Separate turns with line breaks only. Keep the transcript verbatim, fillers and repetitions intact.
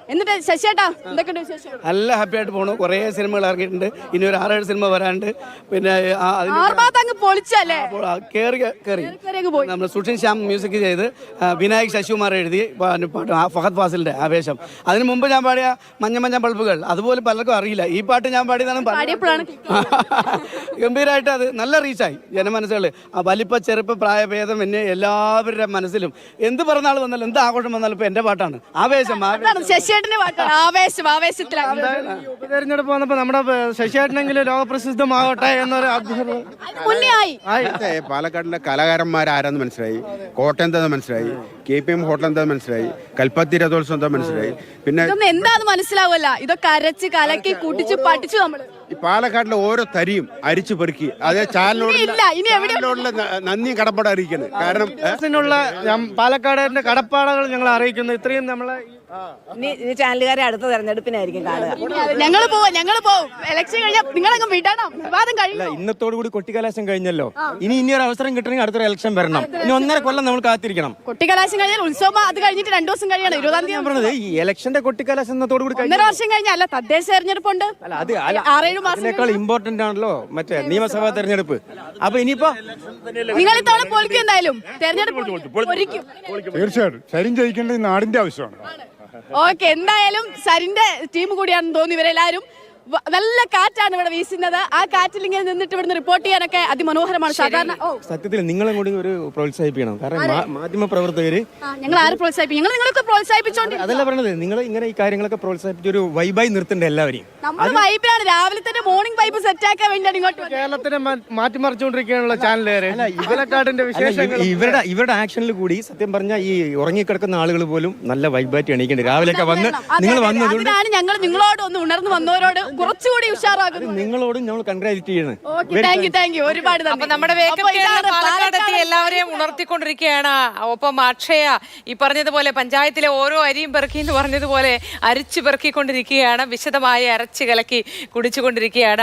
എന്നിട്ട് ശശിയേട്ടാ എന്തൊക്കെയുണ്ട് വിശേഷം?
നല്ല ഹാപ്പി ആയിട്ട് പോണു. കുറേ സിനിമകൾ ഇറങ്ങിയിട്ടുണ്ട്. ഇനി ഒരു ആറേഴ് സിനിമ വരാണ്ട്. പിന്നെ ആ- അതിന്
ആർഭാഗത്ത് അങ്ങ് പൊളിച്ചല്ലേ?
അപ്പോൾ ആ കേറി കയറി
കേറി അങ്ങ് പോയി.
നമ്മൾ സുഷിൻ ശ്യാം മ്യൂസിക് ചെയ്ത് ആ, വിനായക് ശശികുമാർ എഴുതി പാ- പാട്ട് ആ ഫഹദ് ഫാസിലിന്റെ ആവേശം. അതിന് മുമ്പ് ഞാൻ പാടിയ മഞ്ഞ മഞ്ഞ ബൾബുകൾ അതുപോലെ പലർക്കും അറിയില്ല. ഈ പാട്ട് ഞാൻ പാടിയതാണ്.
പാടിയപ്പോഴാണ്
ഗംഭീരമായിട്ട് അത് നല്ല റീച്ചായി ജനമനസ്സുകൾ. ആ വലിപ്പ ചെറുപ്പ പ്രായഭേദം എന്നെ എല്ലാവരുടെ മനസ്സിലും എന്ത് പിറന്നാൾ വന്നാലും എന്ത് ആഘോഷം വന്നാലും ഇപ്പൊ എന്റെ പാട്ടാണ് ആവേശം.
അതാണ് ശശിയേട്ടന്റെ പാട്ടാണ് ആവേശം. ആവേശത്തിലാണ്
ഉപതെരഞ്ഞെടുപ്പ് വന്നപ്പോ നമ്മുടെ ശശിയേട്ടനെങ്കിലും ലോകപ്രസിദ്ധമാകട്ടെ എന്നൊരു അഭ്യർത്ഥന.
അത് മുന്നേ ആയി.
ഇന്നത്തെ പാലക്കാടിലെ കലാകാരന്മാരാരെന്ന് മനസ്സിലായി, കോട്ടയം എന്താ മനസ്സിലായി, കെ പി എം ഹോട്ടൽ എന്താ മനസ്സിലായി, കൽപ്പത്തി രഥോത്സവം എന്താ മനസ്സിലായി. പിന്നെ
ഇതൊന്നും എന്താന്ന് മനസ്സിലാവല്ല. ഇതൊക്കെ അരച്ച് കലക്കി കൂട്ടിച്ച് പഠിച്ചു നമ്മള്.
ഈ പാലക്കാടിലെ ഓരോ തരിയും അരിച്ചു പെറുക്കി അതേ ചാനലിനോട്
ഇല്ല, ഇനി എവിടെ-
ചാനലിനോടുള്ള ന- നന്ദിയും കടപ്പാട് അറിയിക്കുന്നത്. കാരണം
നുള്ള പാലക്കാടിന്റെ കടപ്പാടുകൾ ഞങ്ങൾ അറിയിക്കുന്നു. ഇത്രയും നമ്മളെ
ഇനി ഇനി ചാനലുകാരെ അടുത്ത തെരഞ്ഞെടുപ്പിനായിരിക്കും കാണുക.
ഞങ്ങള് പോവും ഞങ്ങള് പോവും. ഇലക്ഷൻ കഴിഞ്ഞാൽ നിങ്ങളങ്ങ് വിടണം. വിവാദം കഴിയും.
ഇന്നത്തോടു കൂടി കൊട്ടിക്കലാശം കഴിഞ്ഞല്ലോ. ഇനി ഇനി ഒരു അവസരം കിട്ടണമെങ്കിൽ അടുത്തൊരു ഇലക്ഷൻ വരണം. ഇനി ഒന്നര കൊല്ലം നമ്മൾ കാത്തിരിക്കണം.
കൊട്ടിക്കലാശം കഴിഞ്ഞാൽ ഉത്സവം അത് കഴിഞ്ഞിട്ട് രണ്ടു ദിവസം കഴിയണം. ഇരുപതാം
ഞാൻ
തീയതി
പറഞ്ഞത് ഈ ഇലക്ഷന്റെ കൊട്ടിക്കലാശം ഇന്നത്തോടു കൂടി
ഒന്നര വർഷം കഴിഞ്ഞാൽ അല്ല തദ്ദേശ തെരഞ്ഞെടുപ്പുണ്ട്.
അല്ല അത് അല്ല,
ആറേഴു മാസം
അതിനേക്കാൾ ഇമ്പോർട്ടന്റ് ആണല്ലോ മറ്റേ നിയമസഭാ തെരഞ്ഞെടുപ്പ്. അപ്പൊ ഇനിയിപ്പോ
നിങ്ങൾ ഇത്തവണ പൊളിക്കും. എന്തായാലും തെരഞ്ഞെടുപ്പ് പൊരിക്കും.
തീർച്ചയായിട്ടും സരിൻ ജയിക്കേണ്ടത് ഈ നാടിന്റെ ആവശ്യമാണ്.
ഓക്കെ, എന്തായാലും സരിന്റെ ടീം കൂടിയാണെന്ന് തോന്നി ഇവരെല്ലാരും. വ- നല്ല കാറ്റാണ് ഇവിടെ വീശുന്നത്. ആ കാറ്റിൽ ഇങ്ങനെ നിന്നിട്ട് ഇവിടുന്ന് റിപ്പോർട്ട് ചെയ്യാനൊക്കെ അതിമനോഹരമാണ്. സാധാരണ ഓ
സത്യത്തിൽ നിങ്ങളും കൂടി ഒരു പ്രോത്സാഹിപ്പിക്കണം. കാരണം മാ- മാധ്യമ പ്രവർത്തകര്
ആ, ഞങ്ങൾ ആരെ പ്രോത്സാഹിപ്പിക്കും? ഞങ്ങൾ നിങ്ങളൊക്കെ പ്രോത്സാഹിപ്പിച്ചോണ്ട്
അതല്ല പറഞ്ഞത്, നിങ്ങൾ ഇങ്ങനെ ഈ കാര്യങ്ങളൊക്കെ പ്രോത്സാഹിപ്പിച്ച ഒരു വൈബായി നിർത്തണ്ട എല്ലാവരെയും.
നമ്മൾ വൈബിലാണ്. രാവിലെ തന്നെ മോർണിംഗ് വൈബ് സെറ്റ് ആക്കാൻ വേണ്ടിയാണ് ഇങ്ങോട്ട് വന്നത്.
കേരളത്തിനെ മാ- മാറ്റിമറിച്ചുകൊണ്ടിരിക്കുകയാണുള്ള ചാനലുകാരെ പാലക്കാടിന്റെ
അല്ല,
വിശേഷങ്ങൾ
ഇവ- ഇവരുടെ ഇവരുടെ ആക്ഷനിൽ കൂടി സത്യം പറഞ്ഞാൽ ഈ ഉറങ്ങിക്കിടക്കുന്ന ആളുകൾ പോലും നല്ല വൈബായിട്ട് എണീക്കേണ്ടി. രാവിലെയൊക്കെ വന്ന്
അതെ,
നിങ്ങൾ
അതെ,
വന്നതുകൊണ്ട്
അതിനാണ് ഞങ്ങൾ നിങ്ങളോട് ഒന്ന് ഉണർന്നു വന്നവരോട് കുറച്ചുകൂടി ഉഷാറാകുന്നു.
നിങ്ങളോടും ഞങ്ങൾ കൺഗ്രാജുലേറ്റ് ചെയ്യണം.
Okay, thank you thank you ഒരുപാട് നന്ദി.
അപ്പൊ നമ്മുടെ വേഗം
അപ്പൊ ഇതാണ്
പാലക്കാട് എത്തി
പാലക്കാട്
എല്ലാവരെയും ഉണർത്തിക്കൊണ്ടിരിക്കുകയാണ്. ഒപ്പം അക്ഷയ ഈ പറഞ്ഞതുപോലെ പഞ്ചായത്തിലെ ഓരോ അരിയും പെറുക്കി എന്ന് പറഞ്ഞതുപോലെ അരിച്ചു പെറുക്കിക്കൊണ്ടിരിക്കുകയാണ്. വിശദമായി അരച്ചു കലക്കി കുടിച്ചുകൊണ്ടിരിക്കുകയാണ്.